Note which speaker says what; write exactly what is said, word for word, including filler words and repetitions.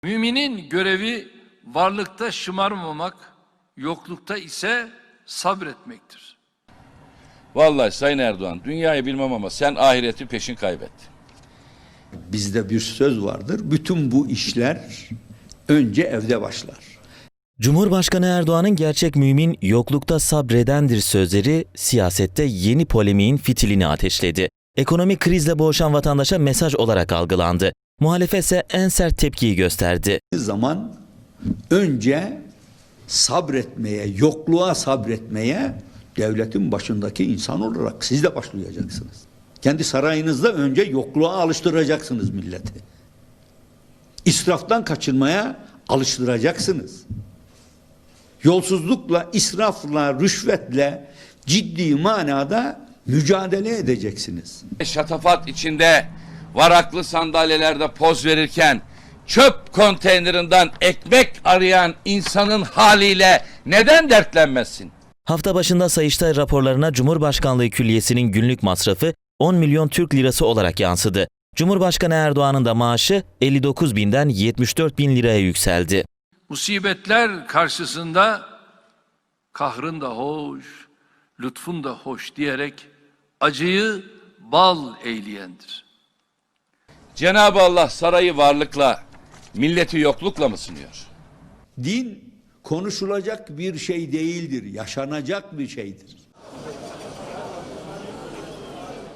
Speaker 1: Müminin görevi varlıkta şımarmamak, yoklukta ise sabretmektir.
Speaker 2: Vallahi Sayın Erdoğan, dünyayı bilmem ama sen ahireti peşin kaybet.
Speaker 3: Bizde bir söz vardır. Bütün bu işler önce evde başlar.
Speaker 4: Cumhurbaşkanı Erdoğan'ın gerçek mümin yoklukta sabredendir sözleri siyasette yeni polemiğin fitilini ateşledi. Ekonomik krizle boğuşan vatandaşa mesaj olarak algılandı. Muhalefet ise en sert tepkiyi gösterdi.
Speaker 3: Zaman önce sabretmeye, yokluğa sabretmeye devletin başındaki insan olarak siz de başlayacaksınız. Kendi sarayınızda önce yokluğa alıştıracaksınız milleti. İsraftan kaçınmaya alıştıracaksınız. Yolsuzlukla, israfla, rüşvetle ciddi manada mücadele edeceksiniz.
Speaker 2: Şatafat içinde varaklı sandalyelerde poz verirken çöp konteynerinden ekmek arayan insanın haliyle neden dertlenmezsin?
Speaker 4: Hafta başında Sayıştay raporlarına Cumhurbaşkanlığı Külliyesi'nin günlük masrafı on milyon Türk lirası olarak yansıdı. Cumhurbaşkanı Erdoğan'ın da maaşı elli dokuz binden yetmiş dört bin liraya yükseldi.
Speaker 1: Musibetler karşısında kahrın da hoş, lütfun da hoş diyerek acıyı bal eyleyendir.
Speaker 2: Cenab-ı Allah sarayı varlıkla, milleti yoklukla mı sınıyor?
Speaker 3: Din konuşulacak bir şey değildir, yaşanacak bir şeydir.